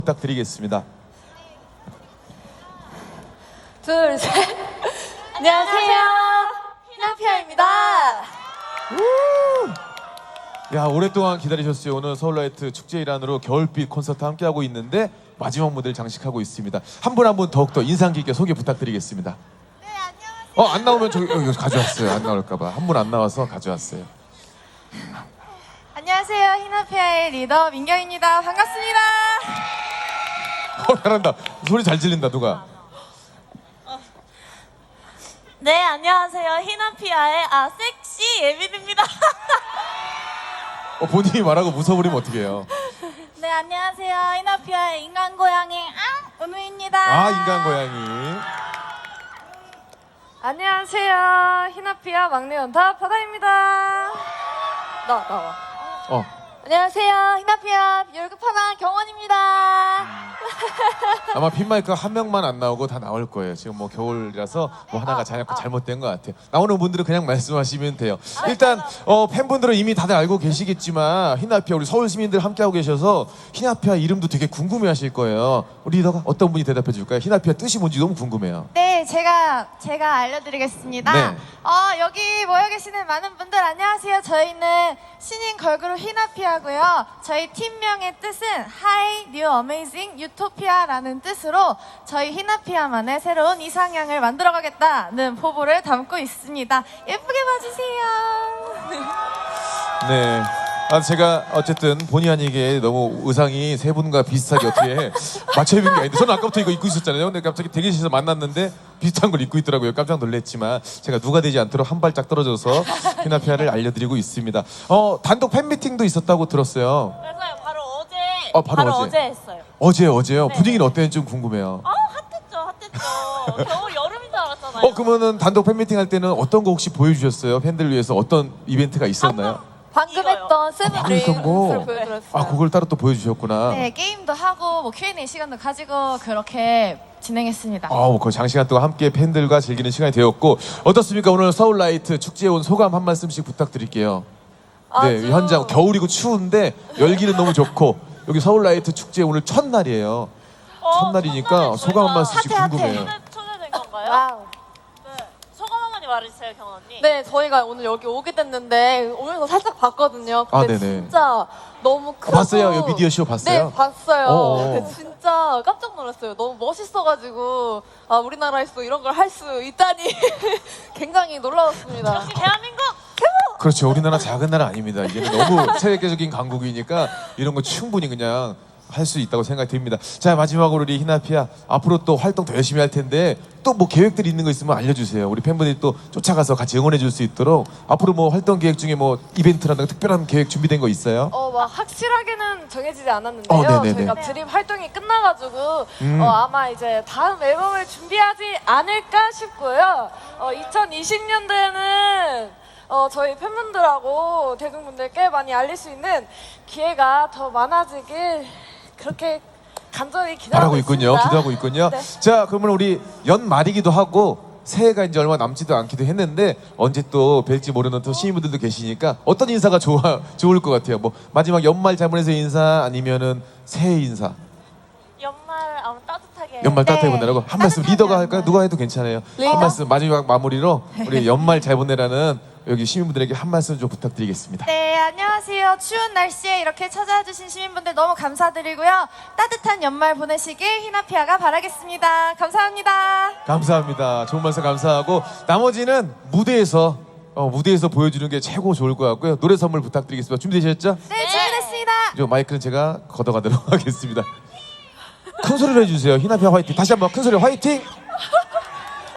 부탁드리겠습니다. 둘, 셋. 안녕하세요. 희나피아입니다. 야, 오랫동안 기다리셨어요. 오늘 서울라이트 축제 일환으로 겨울빛 콘서트 함께하고 있는데 마지막 무대를 장식하고 있습니다. 한 분 한 분 더욱더 인상 깊게 소개 부탁드리겠습니다. 네, 안녕하세요. 안 나오면 여기 가져왔어요. 안 나올까봐. 한 분 안 나와서 가져왔어요. 안녕하세요. 희나피아의 리더 민경입니다. 반갑습니다. 잘한다. 소리 잘 질린다 누가. 네, 안녕하세요. 희나피아의 섹시 예빈입니다. 본인이 말하고 무서워버리면 어떻게 해요? 네, 안녕하세요. 희나피아의 인간 고양이 은우입니다. 인간 고양이. 안녕하세요. 희나피아 막내 연타 바다입니다. 나와. 안녕하세요. 희나피아 열급하나 경원입니다. 아마 핀마이크 한 명만 안 나오고 다 나올 거예요. 지금 뭐 겨울이라서 뭐 하나가 잘못된 것 같아요. 나오는 분들은 그냥 말씀하시면 돼요. 일단 팬분들은 이미 다들 알고 계시겠지만 희나피아 우리 서울 시민들 함께하고 계셔서 희나피아 이름도 되게 궁금해하실 거예요. 우리 리더가 어떤 분이 대답해 줄까요? 희나피아 뜻이 뭔지 너무 궁금해요. 네, 제가 알려드리겠습니다. 네. 여기 모여 계시는 많은 분들 안녕하세요. 저희는 신인 걸그룹 희나피아고요. 저희 팀명의 뜻은 Hi, New Amazing Utopia라는 뜻으로 저희 희나피아만의 새로운 이상향을 만들어가겠다는 포부를 담고 있습니다. 예쁘게 봐주세요. 네. 제가 어쨌든 본의 아니게 너무 의상이 세 분과 비슷하게 어떻게 맞춰 입은 게 아닌데 저는 아까부터 이거 입고 있었잖아요. 근데 갑자기 대기실에서 만났는데 비슷한 걸 입고 있더라고요. 깜짝 놀랐지만 제가 누가 되지 않도록 한 발짝 떨어져서 희나피아를 알려드리고 있습니다. 단독 팬미팅도 있었다고 들었어요. 맞아요. 바로 어제 했어요. 어제요? 네. 분위기는 어땠는지 좀 궁금해요. 핫했죠. 겨울 여름인 줄 알았잖아요. 그러면은 단독 팬미팅 할 때는 어떤 거 혹시 보여주셨어요? 팬들 위해서 어떤 이벤트가 있었나요? 방금 했던 방금 했던 거? 보여드렸어요. 그걸 따로 또 보여주셨구나. 네, 게임도 하고 뭐 Q&A 시간도 가지고 그렇게 진행했습니다. 그 장시간 동안 함께 팬들과 즐기는 시간이 되었고 어떻습니까? 오늘 서울라이트 축제에 온 소감 한 말씀씩 부탁드릴게요. 네, 현장 겨울이고 추운데 열기는 너무 좋고 여기 서울라이트 축제 오늘 첫날이에요. 첫날이니까 소감 한 말씀씩 궁금해요. 초대된 건가요? 와우. 네. 소감 한마디 말해주세요, 경원 언니. 네, 저희가 오늘 여기 오게 됐는데 오면서 살짝 봤거든요. 근데 네네. 진짜 너무 크고 봤어요? 여기 미디어 쇼 봤어요? 네, 봤어요. 어어. 근데 진짜 깜짝 놀랐어요. 너무 멋있어가지고 우리나라에서 이런 걸 할 수 있다니 굉장히 놀라웠습니다. 역시 대한민국! 그렇죠. 우리나라 작은 나라 아닙니다. 이게 너무 세계적인 강국이니까 이런 거 충분히 그냥 할 수 있다고 생각이 듭니다. 자, 마지막으로 우리 희나피아 앞으로 또 활동 더 열심히 할 텐데 또 뭐 계획들이 있는 거 있으면 알려주세요. 우리 팬분들이 또 쫓아가서 같이 응원해 줄 수 있도록 앞으로 뭐 활동 계획 중에 뭐 이벤트라든가 특별한 계획 준비된 거 있어요? 막 확실하게는 정해지지 않았는데요. 네네네. 저희가 드립 활동이 끝나가지고 아마 이제 다음 앨범을 준비하지 않을까 싶고요. 2020년도에는 저희 팬분들하고 대중분들께 많이 알릴 수 있는 기회가 더 많아지길 그렇게 간절히 바라고 기대하고 있군요. 있습니다. 기도하고 있군요. 네. 자, 그러면 우리 연말이기도 하고 새해가 이제 얼마 남지도 않기도 했는데 언제 또 뵐지 모르는 또 시민분들도 계시니까 어떤 인사가 좋을 것 같아요? 뭐 마지막 연말 잘못해서 인사 아니면은 새해 인사? 연말 따뜻하게. 연말 따뜻하게 보내라고 한 말씀 리더가 할까요? 누가 해도 괜찮아요. 리더? 한 말씀 마지막 마무리로 우리 연말 잘 보내라는 여기 시민분들에게 한 말씀 좀 부탁드리겠습니다. 네, 안녕하세요. 추운 날씨에 이렇게 찾아와 주신 시민분들 너무 감사드리고요. 따뜻한 연말 보내시길 희나피아가 바라겠습니다. 감사합니다. 감사합니다. 좋은 말씀 감사하고 나머지는 무대에서 보여주는 게 최고 좋을 것 같고요. 노래 선물 부탁드리겠습니다. 준비되셨죠? 네, 준비됐습니다. 저 마이크는 제가 걷어가도록 하겠습니다. 큰 소리로 해주세요. 희나피아 화이팅. 다시 한번 큰 소리로 화이팅.